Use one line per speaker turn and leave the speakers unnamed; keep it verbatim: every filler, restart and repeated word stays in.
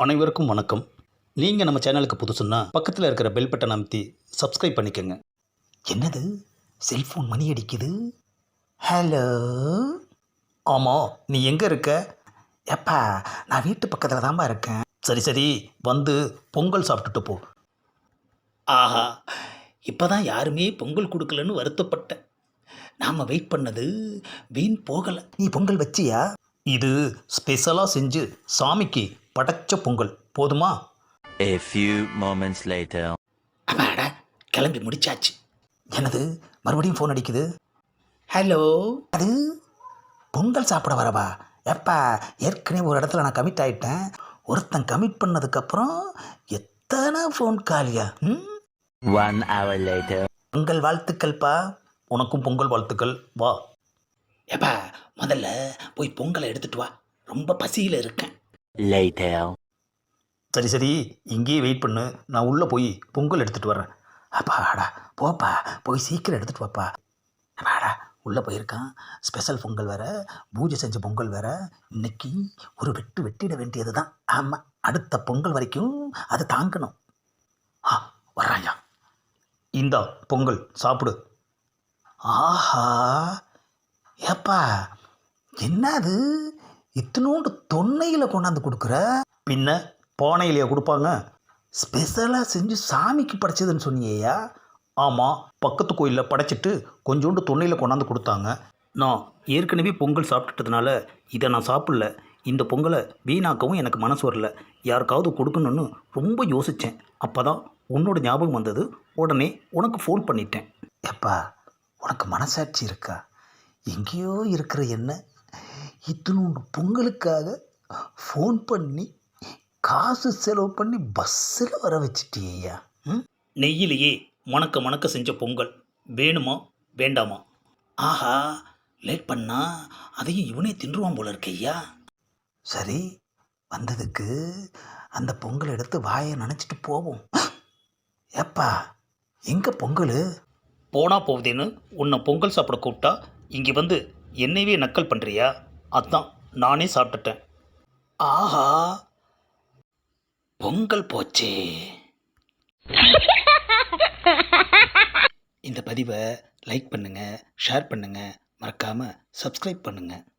அனைவருக்கும் வணக்கம். நீங்கள் நம்ம சேனலுக்கு புதுசுன்னா பக்கத்தில் இருக்கிற பெல் பட்டன் அமைத்தி சப்ஸ்கிரைப் பண்ணிக்கோங்க. என்னது செல்ஃபோன் மணி அடிக்குது? ஹலோ. ஆமாம், நீ எங்கே இருக்க? எப்பா, நான் வீட்டு பக்கத்தில் தான்ப்பா இருக்கேன். சரி சரி, வந்து பொங்கல் சாப்பிட்டுட்டு போ. ஆஹா, இப்போ தான் யாருமே பொங்கல் கொடுக்கலன்னு வருத்தப்பட்டேன். நாம் வெயிட் பண்ணது வீண் போகலை. நீ பொங்கல் வச்சியா? இது ஸ்பெஷலாக செஞ்சு சாமிக்கு படைச்ச பொங்கல். போதுமா?
A few moments later.
அப்பாடா, கிளம்பி முடிச்சாச்சு. எனது மறுபடியும் ஃபோன் அடிக்குது. ஹலோ. அது பொங்கல் சாப்பிட வரவா? எப்பா, ஏற்கனவே ஒரு இடத்துல நான் கமிட் ஆகிட்டேன். ஒருத்தன் கமிட் பண்ணதுக்கப்புறம் எத்தனை ஃபோன் காலியா? ம்.
One hour later.
பொங்கல் வாழ்த்துக்கள்ப்பா. உனக்கும் பொங்கல் வாழ்த்துக்கள். வா. எப்பா, முதல்ல போய் பொங்கலை எடுத்துட்டு வா. ரொம்ப பசியில் இருக்கேன்.
Later.
சரி சரி, இங்கேயே வெயிட் பண்ணு. நான் உள்ளே போய் பொங்கல் எடுத்துகிட்டு வரேன். அப்பாடா, போப்பா, போய் சீக்கிரம் எடுத்துகிட்டு வாப்பா. அப்பாடா, உள்ளே போயிருக்கான். ஸ்பெஷல் பொங்கல் வேறு, பூஜை செஞ்ச பொங்கல் வேறு. இன்னைக்கு ஒரு வெட்டு வெட்டிட வேண்டியது தான். ஆமாம், அடுத்த பொங்கல் வரைக்கும் அதை தாங்கணும். ஆ, வர்றாயா. இந்தா பொங்கல் சாப்பிடு. ஆஹா, ஏப்பா, என்னது இத்தினோண்டு தொன்னையில் கொண்டாந்து கொடுக்குற? பின்ன பானையிலையா கொடுப்பாங்க? ஸ்பெஷலாக செஞ்சு சாமிக்கு படைச்சதுன்னு சொன்னியா? ஆமாம், பக்கத்து கோயிலில் படைச்சிட்டு கொஞ்சோண்டு தொன்னையில் கொண்டாந்து கொடுத்தாங்க. நான் ஏற்கனவே பொங்கல் சாப்பிட்டுட்டதுனால இதை நான் சாப்பிடல. இந்த பொங்கலை வீணாக்கவும் எனக்கு மனசு வரல. யாருக்காவது கொடுக்கணுன்னு ரொம்ப யோசித்தேன். அப்போ தான் உன்னோட ஞாபகம் வந்தது. உடனே உனக்கு ஃபோன் பண்ணிட்டேன். எப்பா, உனக்கு மனசாட்சி இருக்கா? எங்கேயோ இருக்கிற என்ன இத்தினோண்டு பொங்கலுக்காக ஃபோன் பண்ணி காசு செலவு பண்ணி பஸ்ஸில் வர வச்சிட்டியா? ம். நெய்யிலேயே மணக்க மணக்க செஞ்ச பொங்கல் வேணுமா வேண்டாமா? ஆஹா, லேட் பண்ணா அதையும் இவனே தின்றுவான் போல இருக்கையா. சரி, வந்ததுக்கு அந்த பொங்கல் எடுத்து வாயை நினச்சிட்டு போவோம். ஏப்பா, எங்கே பொங்கல்? போனா போகுதேன்னு உன்னை பொங்கல் சாப்பிட கூப்பிட்டா இங்கே வந்து என்னையவே நக்கல் பண்ணுறியா? அதான் நானே சாப்பிட்டுட்டேன். ஆஹா, பொங்கல் போச்சே. இந்த பதிவை லைக் பண்ணுங்கள், ஷேர் பண்ணுங்கள், மறக்காமல் சப்ஸ்கிரைப் பண்ணுங்கள்.